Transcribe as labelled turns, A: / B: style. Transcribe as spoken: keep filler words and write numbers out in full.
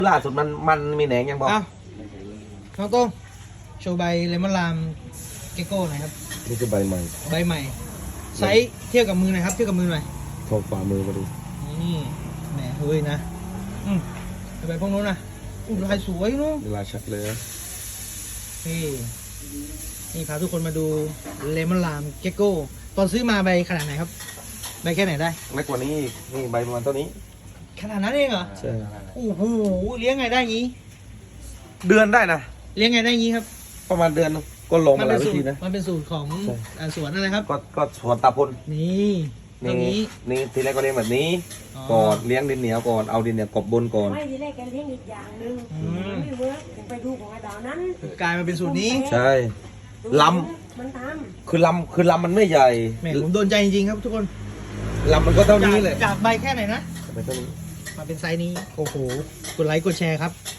A: ล่าสุดมันมันมีแหนงยังบอก
B: อ้าวน้องโต้งโชว์ใบเลมอนลามเกโก้หน่อยครับ
A: นี่คือใบใหม่
B: ใบใหม่ไซส์เทียบกับมือหน่อยครับเทียบกับมือหน่อย
A: โทรฝ่ามือมาดู
B: นี่แหมเฮ้ยนะอืมเอาไปพวกนู้นนะอุ้ยลายสวยเนู้น
A: เวลาชัดเลย
B: นี่นี่พาทุกคนมาดูเลมอนลามเกโก้ตอนซื้อมาใบขนาดไหนครับใบแค่ไหนได้
A: เล็กกว่านี้อีกนี่ใบประมาณเท่านี้
B: ขนาดนั้นเองเหรอ
A: ใช่
B: โอ้โหเลี้ยงไงได้งี้
A: เดือนได้นะ
B: เลี้ยงไงได้งี้ครับ
A: ประมาณเดือนนึงก็ลง
B: มั
A: มาห
B: เป็
A: ลาย
B: น
A: วิ
B: สูต
A: ธี
B: ร
A: นะ
B: มันเป็นสูตรของ
A: ใช่
B: อ่าสวนอะไรครับ
A: ก็ก็สวนตาพล
B: นี่ตรง
A: นี่
B: นี้
A: นี่ทีแรกก็เลี้ยงแบบนี้
B: อ๋อ
A: ก่อนเลี้ยงดินเหนียวก่อนเอาดินเหนียวกบบนก่อน
C: ไม่ทีแรกแกเลี้ยงอีกอย่างหนึ่ง
B: อืม
C: ไม่เวิร์กผมไปดูของไอ้ดาวนั้น
B: กลายมาเป็นสูตรนี้
A: ใช่ล
C: มันท
A: คือลำคือลำมันไม่ใหญ่
B: แหมผมโดนใจจริงๆครับทุกคน
A: ลำมันก็เท่านี้เลย
B: จากจากใบแค่ไหนนะ
A: ไปเท่านี้
B: มาเป็นไซส์นี้ โอ้โห กดไลค์กดแชร์ครับ